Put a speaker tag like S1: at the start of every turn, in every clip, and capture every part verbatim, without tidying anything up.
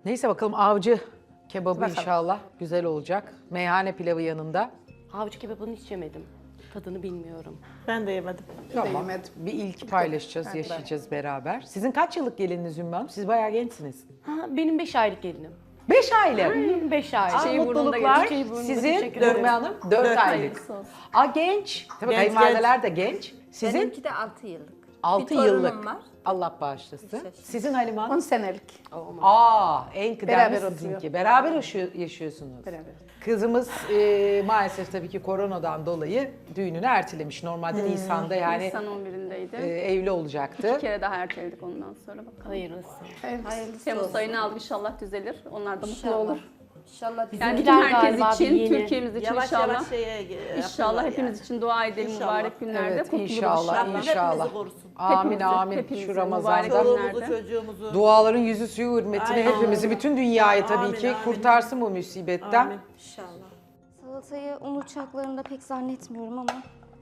S1: Neyse bakalım avcı kebabı
S2: Bakalım.
S1: inşallah güzel olacak. Meyhane pilavı yanında.
S3: Avcı kebabını hiç yemedim. Tadını bilmiyorum.
S4: Ben de yemedim.
S1: Tamam.
S2: yemedim.
S1: Bir ilk paylaşacağız, yaşayacağız beraber. Sizin kaç yıllık gelininiz Ümmü Hanım? Siz bayağı gençsiniz.
S3: Ha, benim beş aylık gelinim.
S1: Beş aylık.
S3: Benim beş aylık.
S1: Aa,
S3: Şeyi burnunda
S1: mutluluklar.
S3: geldi, şeyi burnunda.
S1: Sizin
S3: Teşekkür ederim.
S1: Ümmü Hanım dört
S4: Dört
S1: aylık.
S3: Hayırlısı olsun.
S1: Aa genç. Tabii
S4: Genç,
S1: kayınvalideler de genç. Sizin
S5: Benimki de altı yıllık.
S1: altı
S5: bir torunum
S1: yıllık.
S5: var.
S1: Allah bağışlasın.
S5: Yaşasın.
S1: Sizin Halime Hanım?
S2: on senelik.
S1: Aa en kıdemli
S2: Beraber
S1: sizinki.
S2: oturuyor.
S1: Beraber yaşıyor- yaşıyorsunuz.
S2: Beraber.
S1: Kızımız e, maalesef tabii ki koronadan dolayı düğününü ertelemiş. Normalde Nisan'da yani
S6: Nisan on birindeydi.
S1: e, evli olacaktı.
S6: Bir kere daha erteledik ondan sonra bakalım.
S3: Hayırlısı.
S5: Hayırlısı
S6: Temmuz
S5: olsun.
S6: ayını aldık, inşallah düzelir. Onlar da mutlu
S5: İnşallah.
S6: olur.
S5: İnşallah bizim
S6: Yani
S3: Bizimkiler
S6: bütün herkes
S3: galiba
S6: için,
S3: bir yeni.
S6: Türkiye'miz için
S4: Yavaş
S6: inşallah.
S4: yavaş şeye e,
S6: İnşallah
S4: yapıyorlar
S6: hepimiz
S4: yani.
S6: için dua edelim
S4: İnşallah.
S6: mübarek günlerde.
S1: Evet
S6: kurtuluruz
S1: inşallah
S4: Rabbim
S1: inşallah.
S4: hepimizi korusun.
S1: Amin
S6: Hepimizi,
S1: amin
S6: hepimizi
S1: şu
S6: mübarek
S1: Ramazan'da.
S4: Çoluğumuzu,
S6: günlerde.
S4: çocuğumuzu.
S1: Duaların yüzü suyu hürmetine
S4: Aynen.
S1: hepimizi, bütün dünyayı tabii
S4: Amin,
S1: ki
S4: amin.
S1: kurtarsın bu musibetten.
S4: Amin.
S5: İnşallah.
S7: Salatayı un uçaklarında pek zannetmiyorum ama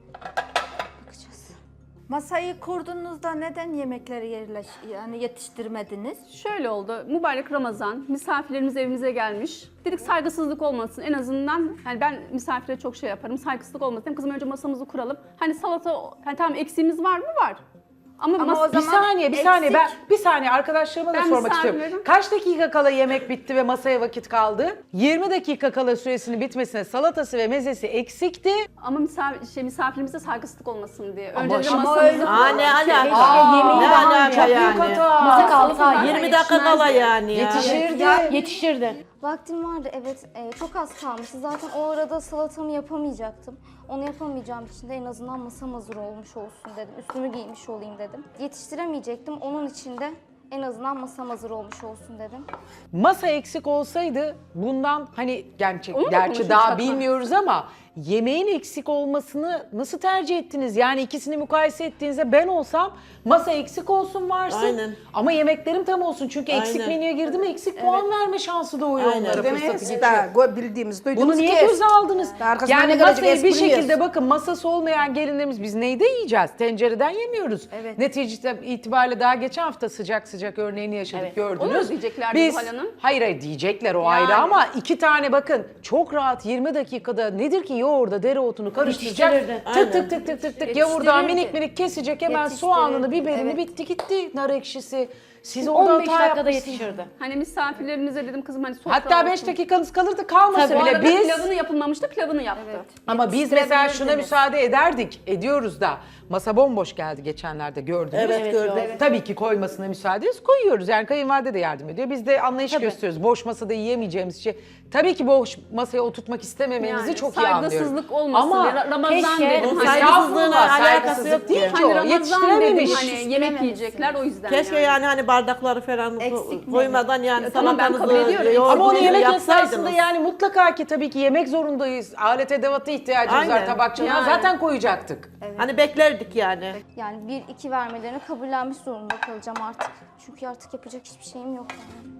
S7: bakacağız.
S5: Masayı kurduğunuzda neden yemekleri yerleş yani yetiştirmediniz?
S6: Şöyle oldu, mübarek Ramazan, misafirlerimiz evimize gelmiş. Dedik saygısızlık olmasın en azından, yani ben misafire çok şey yaparım, saygısızlık olmasın. Hem kızım önce masamızı kuralım. Hani salata, hani tamam eksiğimiz var mı? Var. Ama,
S5: Ama
S6: mas-
S5: o
S1: Bir
S5: zaman
S1: saniye, bir saniye. Ben
S5: eksik.
S1: bir saniye arkadaşlarıma da
S6: Ben
S1: sormak istiyorum.
S6: misafirlerim.
S1: Kaç dakika kala yemek bitti ve masaya vakit kaldı? yirmi dakika kala süresinin bitmesine salatası ve mezesi eksikti.
S6: ama misafir, şey, misafirimize saygısızlık olmasın diye.
S1: Ama
S6: Önce de
S1: şimdi-
S6: masamızı
S4: Aa ne alaka?
S1: Aa,
S4: ne
S1: çok
S4: alaka
S1: büyük
S4: yani?
S1: hata.
S3: Masa kaldı sadece.
S4: yirmi dakika kala yani ya.
S1: Yetişirdi.
S3: Yetişirdi.
S7: Vaktim vardı evet, e, çok az kalmıştı. Zaten o arada salatamı yapamayacaktım. Onu yapamayacağım için de en azından masam hazır olmuş olsun dedim. Üstümü giymiş olayım dedim. Yetiştiremeyecektim, onun için de en azından masam hazır olmuş olsun dedim.
S1: Masa eksik olsaydı bundan hani gerçek,
S6: Onu mu
S1: gerçi
S6: konuşmuştuk?
S1: daha bilmiyoruz ama yemeğin eksik olmasını nasıl tercih ettiniz? Yani ikisini mukayese ettiğinizde ben olsam masa eksik olsun varsın
S4: Aynen.
S1: ama yemeklerim tam olsun. Çünkü eksik
S4: Aynen.
S1: menüye girdi mi eksik puan verme şansı doğuyor
S4: Aynen.
S1: onlara,
S2: Demeyiz
S1: fırsatı geçiyor.
S2: daha gö- bildiğimiz, duyduğumuz
S1: Bunu niye
S2: kes.
S1: göze aldınız?
S2: Arkasından
S1: Yani
S2: ne gelecek
S1: masayı bir
S2: espri
S1: şekilde
S2: yiyoruz.
S1: bakın masası olmayan gelinlerimiz biz neyde yiyeceğiz? Tencereden yemiyoruz.
S5: Evet.
S1: Neticede itibariyle daha geçen hafta sıcak sıcak örneğini yaşadık
S3: Evet.
S1: gördünüz.
S6: Onu mu diyeceklerdi
S1: Biz,
S6: Zuhal Hanım?
S1: hayır hayır diyecekler o
S6: Yani.
S1: ayrı ama iki tane bakın çok rahat yirmi dakikada nedir ki yoğurda dereotunu karıştıracak.
S3: Yetiştirirdi.
S1: Tık tık tık tık tık tık yavurdan
S5: Yetiştirirdi.
S1: minik minik kesecek hemen
S5: Yetiştirirdi.
S1: soğanını biberini
S5: Evet.
S1: bitti gitti nar ekşisi. Siz orada
S3: on beş
S1: hata
S3: dakikada
S1: yapmışsınız.
S3: yetişirdi.
S6: Hani misafirlerimize dedim kızım hani sofra
S1: Hatta beş
S6: olsun.
S1: dakikanız kalırdı kalmasa
S3: Tabii.
S6: Bu
S1: bile
S6: arada
S1: biz...
S6: pilavını yapılmamıştı, pilavını yaptı.
S1: Ama biz mesela şuna
S5: Yetiştirebilirdiniz.
S1: müsaade ederdik, ediyoruz da. Masa bomboş geldi geçenlerde gördünüz.
S4: Evet,
S3: Evet,
S4: gördüm.
S3: evet.
S1: Tabii ki koymasına müsaade ediyoruz, koyuyoruz. Yani kayınvalide de yardım ediyor. Biz de anlayış gösteriyoruz. Boş masada yiyemeyeceğimiz şey. Tabii ki boş masaya oturtmak istememenizi
S6: Yani
S1: çok iyi anlıyorum.
S6: saygısızlık olmasın
S1: Ama
S6: diye. Ra- Ramazan
S3: keşke
S6: dedim.
S4: bunun
S6: Hani,
S4: saygısızlığına
S1: Estağfurullah,
S4: alakası yok
S1: değil
S4: ki.
S1: ki o.
S6: hani Ramazan dedim
S1: Yetiştirememiş.
S6: hani yemek yiyecekler o yüzden
S4: Keşke yani hani bardakları falan
S5: Eksik mi?
S4: koymadan yani
S6: Ya tamam, ben
S4: salatanızı,
S6: kabul ediyorum.
S4: yoğurdunuzu
S1: Ama onu yemek
S4: yapsaydınız.
S1: esnasında yani mutlaka ki tabii ki yemek zorundayız. Alet edevata ihtiyacımız var,
S4: Aynen.
S1: tabak çanağı
S6: Yani.
S1: zaten koyacaktık.
S4: Hani beklerdik yani.
S7: Yani bir iki vermelerini kabullenmiş zorunda kalacağım artık. Çünkü artık yapacak hiçbir şeyim yok yani.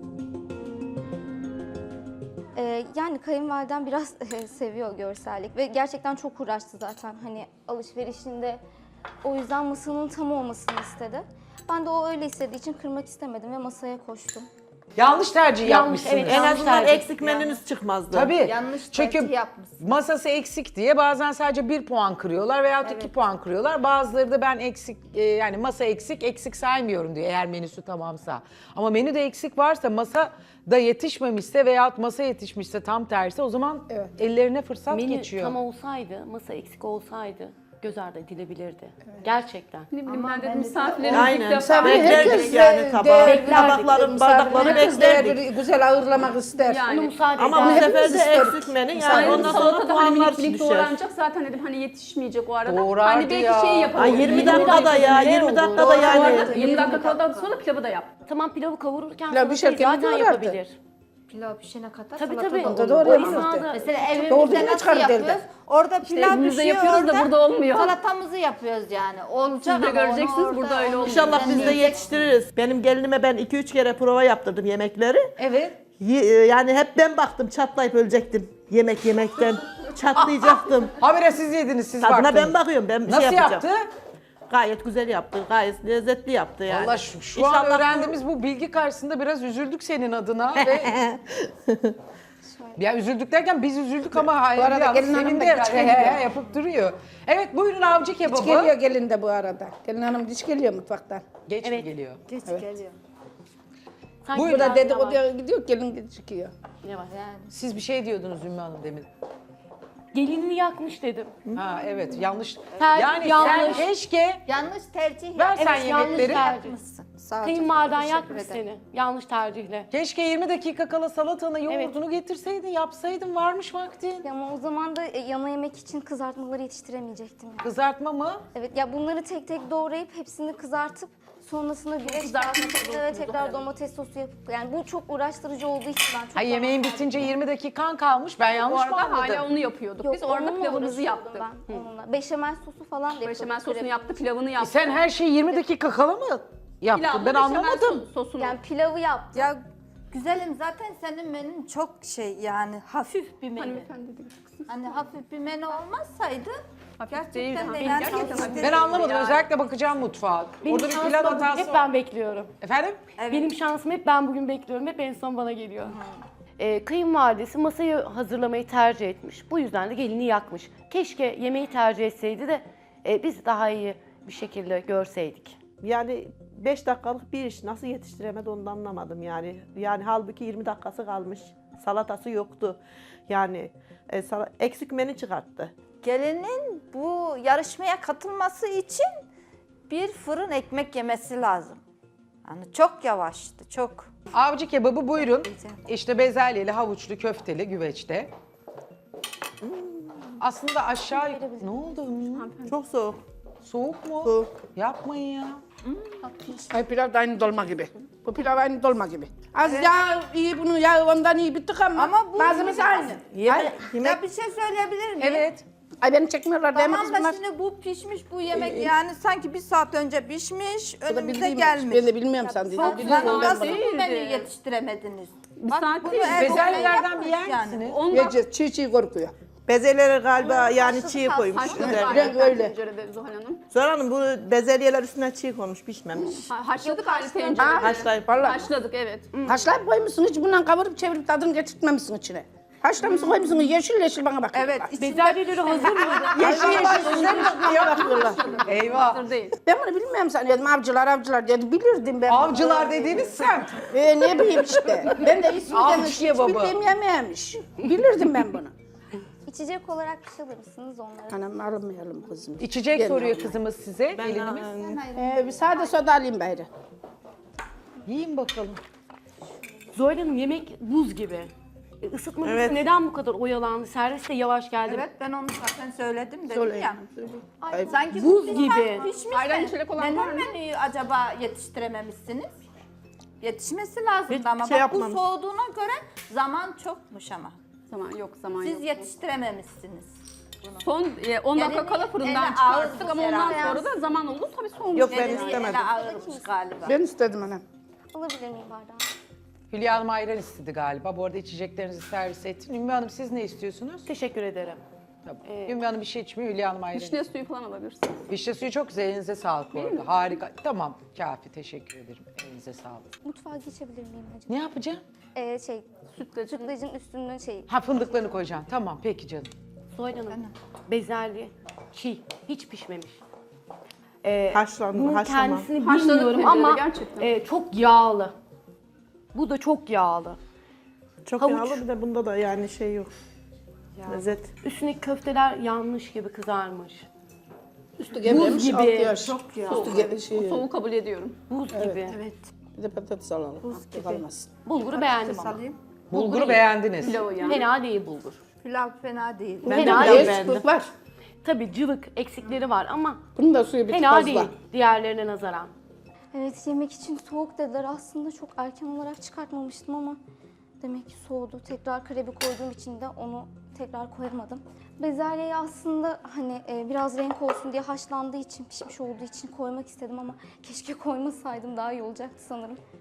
S7: Ee, yani kayınvalidem biraz seviyor görsellik ve gerçekten çok uğraştı zaten hani alışverişinde. O yüzden masanın tam olmasını istedi. Ben de o öyle istediği için kırmak istemedim ve masaya koştum.
S1: Yanlış tercih
S3: Yanlış,
S1: yapmışsınız.
S3: evet,
S4: En
S3: Yanlış
S4: azından
S3: tercih.
S4: eksik menünüz çıkmazdı.
S1: Tabii.
S5: Yanlış
S1: Çünkü
S5: tercih yapmışsın.
S1: masası eksik diye bazen sadece bir puan kırıyorlar veya iki puan kırıyorlar. Bazıları da ben eksik e, yani masa eksik eksik saymıyorum diyor eğer menüsü tamamsa. Ama menüde eksik varsa masa da yetişmemişse veya masa yetişmişse tam tersi o zaman ellerine fırsat
S3: Menü
S1: geçiyor.
S3: tam olsaydı, masa eksik olsaydı göz ardı edilebilirdi. Gerçekten.
S6: Ne bileyim
S5: Ama
S6: ben dedim
S5: ben de-
S6: misafirlerimiz
S4: Aynen.
S6: ilk defa.
S2: Misafir
S4: Beklerdik
S2: herkes
S4: yani
S2: de
S4: tabağı.
S2: değerli-
S4: Tabakları, bardakları
S2: Herkes
S4: beklerdik.
S2: değerli, güzel ağırlamak ister.
S6: Yani.
S3: Onu müsaade
S4: Ama bu
S3: eder.
S4: sefer
S2: hepimiz
S4: de
S2: isterik.
S4: eksik menü
S2: Misafir-
S4: yani ondan sonra
S6: Salatada hani
S4: puanlar
S6: minik minik
S4: düşer.
S6: doğranacak zaten dedim hani yetişmeyecek o arada.
S1: Doğrardı
S6: hani belki
S1: ya.
S6: şey
S4: Ay
S6: yapalım.
S4: yirmi dakikada ya, yirmi dakikada
S6: Bu
S4: yani.
S6: arada yirmi dakika kaladan sonra pilavı da yap.
S3: Tamam pilavı kavururken
S2: Pilav
S3: salatayı
S2: pişerken
S3: zaten
S2: doğrardı.
S3: yapabilir.
S5: Pilav pişene kadar
S3: Tabii
S5: salata
S3: tabii.
S5: da
S2: Onda
S5: olur.
S2: doğru
S3: O
S2: yapıyoruz
S3: esnada-
S2: de.
S5: Mesela
S2: Doğru
S5: evimizde
S2: değil mi?
S5: nasıl
S2: Çıkardı
S5: yapıyoruz?
S2: evden.
S5: Orada
S6: İşte
S5: pilav
S6: evimizde
S5: pişiyor,
S6: yapıyoruz da
S5: orada
S6: burada olmuyor.
S5: salatamızı yapıyoruz yani. Olacak
S6: Siz de
S5: ama onu
S6: göreceksiniz,
S5: orada
S6: burada öyle olmuyor.
S4: İnşallah biz de yetiştiririz. Benim gelinime ben iki üç kere prova yaptırdım yemekleri.
S1: Evet.
S4: Ye- Yani hep ben baktım çatlayıp ölecektim yemek yemekten. Çatlayacaktım.
S1: Habire siz yediniz siz
S4: Tadına
S1: baktınız.
S4: ben bakıyorum. Ben bir
S1: Nasıl
S4: şey yapacağım.
S1: yaptı?
S4: Gayet güzel yaptı, gayet lezzetli yaptı yani.
S1: Valla şu, şu an
S4: İnşallah bu-
S1: öğrendiğimiz bu bilgi karşısında biraz üzüldük senin adına ve ya üzüldük derken biz üzüldük ama hayır
S2: arada
S1: ya,
S2: gelin hanım
S1: senin
S2: da
S1: de
S2: hiç
S1: he, he,
S2: geliyor.
S1: he yapıp duruyor. Evet buyurun avcı
S2: Hiç
S1: kebabı.
S2: geliyor gelin de bu arada. Gelin hanım hiç geliyor mutfaktan.
S1: Geç mi
S3: Evet.
S1: geliyor?
S5: Geç geliyor.
S3: Sanki
S1: Buyurun.
S2: Bu da
S3: biraz
S2: dedikoduya gidiyor gelin çıkıyor.
S3: yavaş.
S5: Yani
S1: Siz bir şey diyordunuz Ümmü Hanım demin.
S3: Gelinini yakmış dedim.
S1: Ha evet yanlış.
S3: Ter-
S1: yani
S3: yanlış.
S1: sen keşke
S5: yanlış tercih
S1: ver
S5: yapmışsın.
S1: sen
S3: Evet, yanlış
S1: yemekleri.
S3: tercih.
S5: yapmışsın. Sağ ol, çok
S3: Kayınvaliden
S5: teşekkür
S3: yakmış
S5: ederim.
S3: seni. Yanlış tercihle.
S1: Keşke yirmi dakika kala salatanı, yoğurdunu getirseydin, yapsaydın, varmış vaktin.
S7: Ya ama o zaman da e, yana yemek için kızartmaları yetiştiremeyecektim yani.
S1: Kızartma mı?
S7: Evet ya bunları tek tek doğrayıp hepsini kızartıp sonrasında güveç
S3: kızartma
S7: kağıtına
S3: tadı
S7: ve tekrar domates sosu yapıp yani bu çok uğraştırıcı olduğu için ben çok
S1: Ay yemeğin
S7: zaman
S1: bitince yirmi dakikan kalmış. Ben
S6: Bu
S1: yanlış mı
S6: arada
S1: anladım?
S6: hala onu yapıyorduk.
S7: Yok,
S6: Biz orada
S7: onunla
S6: pilavımızı
S7: uğraşıyordum
S6: yaptık.
S7: Ben, onunla. Beşamel sosu falan da yapıyordum.
S6: Beşamel sosunu
S7: Krem.
S6: yaptı, pilavını
S1: E
S6: yaptı.
S1: sen her şeyi yirmi dakika kala mı yaptın?
S6: Pilavla
S1: Ben
S6: beşamel
S1: anlamadım.
S6: sos- Sosunu.
S7: Yani pilavı yaptım.
S5: Ya güzelim zaten senin menün çok şey yani hafif bir menü.
S6: Hanımefendi dedi.
S5: Hani hafif bir menü olmasaydı
S6: Hafif değil.
S5: gerçekten de
S6: Benim
S5: yani
S6: gerçekten hafif.
S5: yetiştirir
S1: Ben anlamadım.
S5: yani.
S1: Özellikle bakacağım mutfağa.
S3: Benim
S1: Orada bir
S3: şansıma
S1: pilav
S3: bugün
S1: hatası
S3: hep
S1: var.
S3: ben bekliyorum.
S1: Efendim?
S3: Benim şansım hep ben bugün bekliyorum. Hep en son bana geliyor. Ee, kayınvalidesi masayı hazırlamayı tercih etmiş. Bu yüzden de gelini yakmış. Keşke yemeği tercih etseydi de e, biz daha iyi bir şekilde görseydik.
S4: Yani beş dakikalık bir iş nasıl yetiştiremedi onu da anlamadım yani. Yani halbuki yirmi dakikası kalmış. Salatası yoktu. Yani e, sala- eksik menü çıkarttı.
S5: Gelinin bu yarışmaya katılması için bir fırın ekmek yemesi lazım. Yani çok yavaştı, çok.
S1: Avcı kebabı buyurun. İşte bezelyeli, havuçlu, köfteli, güveçte. Aslında aşağı... Ne oldu?
S4: Çok soğuk.
S1: Soğuk mu?
S4: Soğuk.
S1: Yapmayın ya.
S2: Ay pilav da aynı dolma gibi. Bu pilav aynı dolma gibi. Az yağ iyi bunu yağ ondan iyi bittik ama,
S5: Ama bu-
S2: malzemesi aynı.
S4: Yemek, yemek
S5: Ya bir şey söyleyebilir miyim?
S1: Evet.
S2: Ay beni çekmiyorlar değil mi
S5: Tamam
S2: kızım?
S5: da şimdi bu pişmiş bu yemek yani sanki bir saat önce pişmiş,
S2: Bu da
S5: önümüze
S2: bildiğim-
S5: gelmiş.
S2: Ben de bilmiyorum sen dediğin.
S5: Çok
S2: Biliyorum
S5: sen
S2: ben
S5: nasıl
S2: bunu.
S5: bu menüyü
S6: Değildi.
S5: yetiştiremediniz?
S6: Bir saat
S5: bunu
S6: değil.
S5: ev-
S1: Bezelyelerden bir yer
S5: yapmış yani.
S1: misiniz?
S6: On dakika
S2: Yiyeceğiz çiğ çiğ korkuyor.
S4: bezelyeleri galiba yani
S7: haşladık
S4: çiğ
S7: az-
S4: koymuş.
S7: haşladık
S4: üzerine.
S7: az.
S2: Ben öyle.
S6: tencerede Zuhal Hanım.
S4: Zora Hanım bu bezelyeler üstüne çiğ konmuş, pişmemiş.
S6: Ha- Haşladık aynı
S7: haşladık.
S6: tencerede.
S4: Haşlayıp
S2: Vallahi.
S6: Haşladık evet.
S2: Haşlayıp koymuşsun hiç bundan kavurup çevirip tadını getirtmemişsin içine. Haşlamışsın koymuşsun yeşil yeşil bana bak.
S5: Evet, içinde
S3: Bezelyeleri hazır mıydı?
S2: Yeşil yeşil sizden niye bakıyorlar?
S1: Eyvah.
S6: Hazır değil.
S2: Ben bunu bilmiyorum sanıyordum avcılar avcılar dedi bilirdim ben. bunu.
S1: Avcılar dediğiniz semt.
S2: Ee, ne bileyim işte. Ben de ismi
S1: Avcı
S2: demiş hiç
S1: kebabı.
S2: bildiğim yemeğiymiş. Bilirdim ben bunu.
S7: İçecek olarak bir şey alır mısınız onlara?
S2: Anam almayalım kızım.
S1: İçecek
S2: Gelin
S1: soruyor
S2: abla.
S1: kızımız size. Gelinimiz.
S2: Ee, bir sade soda alayım bari.
S1: Yiyin bakalım.
S3: Zuhal Hanım yemek buz gibi. E, Isıtması
S4: Evet.
S3: neden bu kadar oyalandı? Servis de yavaş geldi.
S5: Evet ben onu zaten söyledim dedim
S2: Söyleyin.
S5: ya.
S2: Ay,
S5: Sanki
S3: Buz
S5: bu
S3: gibi.
S5: pişmiş
S6: Ayran
S5: de
S6: içecek olan var
S5: neden
S6: mı?
S5: menüyü acaba yetiştirememişsiniz? Yetişmesi lazımdı
S4: Hiçbir
S5: ama
S4: şey
S5: bak bu
S4: yapmamış.
S5: soğuduğuna göre zaman çokmuş ama.
S6: Zaman yok, zaman
S5: Siz
S6: yok.
S5: yetiştirememişsiniz.
S6: Son e, on dakika
S5: Yani
S6: kala
S5: ele
S6: fırından
S5: ağır
S6: çıkarttık
S5: bu
S6: ama ondan
S5: herhalde.
S6: sonra da zaman oldu tabii soğumuş.
S4: Yok, ben
S5: Gelini
S4: istemedim.
S5: ele ağırmış galiba.
S2: Ben istedim anam.
S7: Alabilir miyim bardağı?
S1: Hülya Hanım ayran istedi galiba. Bu arada içeceklerinizi servis ettin. Ümmü Hanım siz ne istiyorsunuz?
S3: Teşekkür ederim.
S1: Tamam. Ümmü Hanım bir şey içmiyor, Hülya Hanım ayran.
S6: Vişne suyu falan alabilirsiniz.
S1: Vişne suyu çok güzel. Elinize sağlık bu arada. Harika. Tamam, kafi. Teşekkür ederim. Elinize sağlık.
S7: Mutfağa geçebilir miyim acaba?
S1: Ne yapacağım?
S7: Ee, şey, sütlacın, sütlacın üstünden şey,
S1: Ha fındıklarını koyacağım. Tamam, peki canım.
S3: Zuhal Hanım, bezelye çiğ, hiç pişmemiş. Ee,
S4: Haşlandı,
S3: bunun
S4: haşlama.
S3: kendisini
S6: Haşladık
S3: bilmiyorum
S6: tencerede
S3: ama
S6: gerçekten.
S3: e, çok yağlı. Bu da çok yağlı.
S4: Çok
S3: Havuç.
S4: yağlı bir de bunda da yani şey yok. Lezzet.
S3: Üstündeki köfteler yanmış gibi kızarmış.
S2: Üstü gevremiş,
S3: gibi.
S2: altı yaş.
S3: Çok ya.
S2: Üstü ge- şey,
S6: Soğuğu kabul ediyorum.
S3: Buz gibi.
S2: bir de patates alalım. Altı kalmasın.
S3: Bulguru beğendim ama.
S5: Salayım.
S1: Bulguru beğendiniz.
S6: Pilavı yani.
S3: Fena değil bulgur.
S5: Pilav fena değil.
S3: Fena
S2: Biraz
S3: değil.
S2: sıklık var.
S3: Tabii cıvık eksikleri var ama
S2: Bunun da suyu bir tık
S3: fena
S2: fazla.
S3: değil diğerlerine nazaran.
S7: evet yemek için soğuk dediler. Aslında çok erken olarak çıkartmamıştım ama demek ki soğudu. Tekrar karebi koyduğum için de onu tekrar koyamadım. Bezelyeyi aslında hani e, biraz renk olsun diye haşlandığı için, pişmiş olduğu için koymak istedim ama keşke koymasaydım daha iyi olacaktı sanırım.